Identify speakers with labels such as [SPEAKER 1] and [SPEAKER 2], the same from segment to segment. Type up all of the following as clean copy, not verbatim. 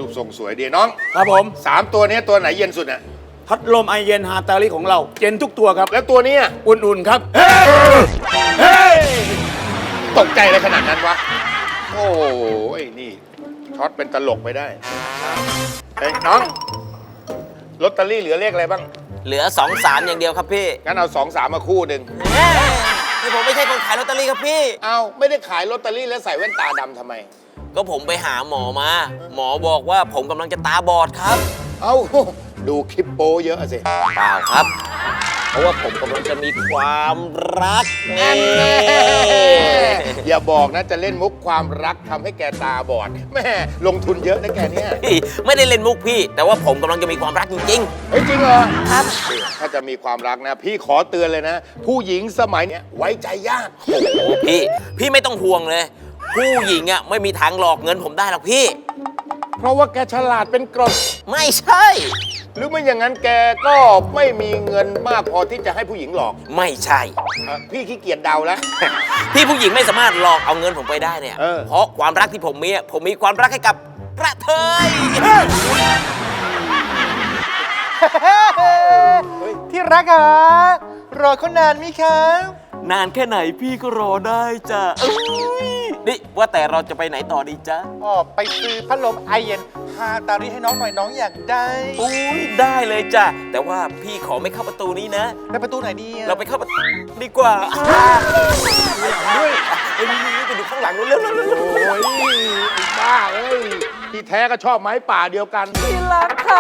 [SPEAKER 1] รูปทรงสวยดีน้อง
[SPEAKER 2] ครับผม
[SPEAKER 1] 3 ตัวนี้ตัวไหนเย็นสุดอ่ะ
[SPEAKER 2] พัดลมไอเย็นฮาตาลิของเราเย็นทุกตัวครับ
[SPEAKER 1] แล้วตัวนี้อะ
[SPEAKER 2] อุ่นๆครับ
[SPEAKER 1] เฮ้ยตกใจอะไรขนาดนั้นวะ โอ้ยนี่ช็อตเป็นตลกไปได้เฮ้ยน้องลอตเตอรี่เหลือเลขอะไรบ้าง
[SPEAKER 3] เหลือ 2-3 อย่างเดียวครับพี่
[SPEAKER 1] งั้นเอา2-3มาคู่หนึ่ง
[SPEAKER 3] นี่ผมไม่ใช่คนขายลอตเตอรี่ครับพี่
[SPEAKER 1] เอาไม่ได้ขายลอตเตอรี่แล้วใส่แว่นตาดำทำไม
[SPEAKER 3] ก็ผมไปหาหมอมา หมอบอกว่าผมกำลังจะตาบอดครับ
[SPEAKER 1] เอาดูคลิปโป้เยอะสิ
[SPEAKER 3] เปล่าครับ เพราะว่าผมกำลังจะมีความรักนี่
[SPEAKER 1] อย่าบอกนะจะเล่นมุกความรักทำให้แกตาบอดแม่ลงทุนเยอะนะแกเนี่ย
[SPEAKER 3] พี่ไม่ได้เล่นมุกพี่ แต่ว่าผมกำลังจะมีความรักจริง
[SPEAKER 1] เฮ้ยจริงเหรอ
[SPEAKER 3] ๆ ครับ
[SPEAKER 1] ถ้าจะมีความรักนะ พี่ขอเตือนเลยนะ ผู้หญิงสมัยเนี้ยไว้ใจยาก
[SPEAKER 3] โอ้โหพี่ไม่ต้องห่วงเลย ผู้หญิงอ่ะไม่มีทางหลอกเงินผมได้หรอกพี่
[SPEAKER 1] เพราะว่าแกฉลาดเป็นกรด
[SPEAKER 3] ไม่ใช่
[SPEAKER 1] หรือไม่อย่างนั้นแกก็ไม่มีเงินมากพอที่จะให้ผู้หญิงหลอก
[SPEAKER 3] ไม่ใช่
[SPEAKER 1] พี่ขี้เกียจเดาแล้ว
[SPEAKER 3] ที่ผู้หญิงไม่สามารถหลอกเอาเงินผมไปได้เนี่ย
[SPEAKER 1] เออ
[SPEAKER 3] เพราะความรักที่ผมมีอะผมมีความรักให้กับกระเทย
[SPEAKER 4] ที่รักอ่ะรอเขานานไหมครับ
[SPEAKER 3] นานแค่ไหนพี่ก็รอได้จ้ะเอ้ยนี่ว่าแต่เราจะไปไหนต่อดีจ๊ะ
[SPEAKER 4] อ๋อ ไปซื้อพัดลมไอเย็นฮาตาริให้น้องหน่อยน้องอยากได้
[SPEAKER 3] อุ้ยได้เลยจ้ะ แต่ว่าพี่ขอไม่เข้าประตูนี้นะ
[SPEAKER 4] ไปประตูไหนดีอะ
[SPEAKER 3] เราไปเข้าประตูดีกว่าด้วยไอ้นี่ไปดูข้างหลังนู้นเร็ว
[SPEAKER 1] โอ้ยไอ้บ้าเอ้ยที่แท้ก็ชอบไม้ป่าเดียวกัน
[SPEAKER 3] พี่รักค่ะ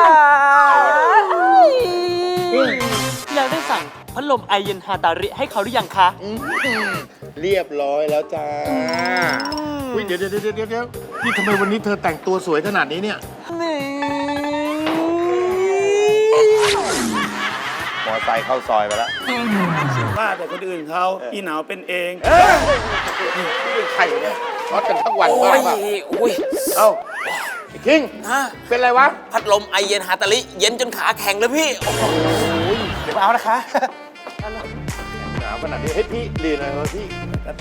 [SPEAKER 5] แล้วได้สั่งพัดลมไอเย็นฮาตาริให้เขาหรือยังคะ
[SPEAKER 1] เรียบร้อยแล้วจ้าอุ้ยเดี๋ยวนี่ทำไมวันนี้เธอแต่งตัวสวยขนาดนี้เนี่ย มอไซค์เข้าซอยไปแล้ว
[SPEAKER 2] ว่าแต่คนอื่นเขาอีหนาวเป็นเอง
[SPEAKER 1] เป็นใครเนี่ยช็อตกันทั้งวัน
[SPEAKER 3] โอ้
[SPEAKER 1] บ้าย ป่ะ
[SPEAKER 3] อุ้ย
[SPEAKER 1] เอ้าไอ้คิง
[SPEAKER 3] ฮะ
[SPEAKER 1] เป็นไรวะ
[SPEAKER 3] พัดลมไอเย็นฮาตาลิเย็นจนขาแข็งเลยพี่โอ้โห
[SPEAKER 4] เดี๋ยวเอานะคะ
[SPEAKER 1] หนาวขนาดนี้ให้ยพี่เรียนอะไรวะพี่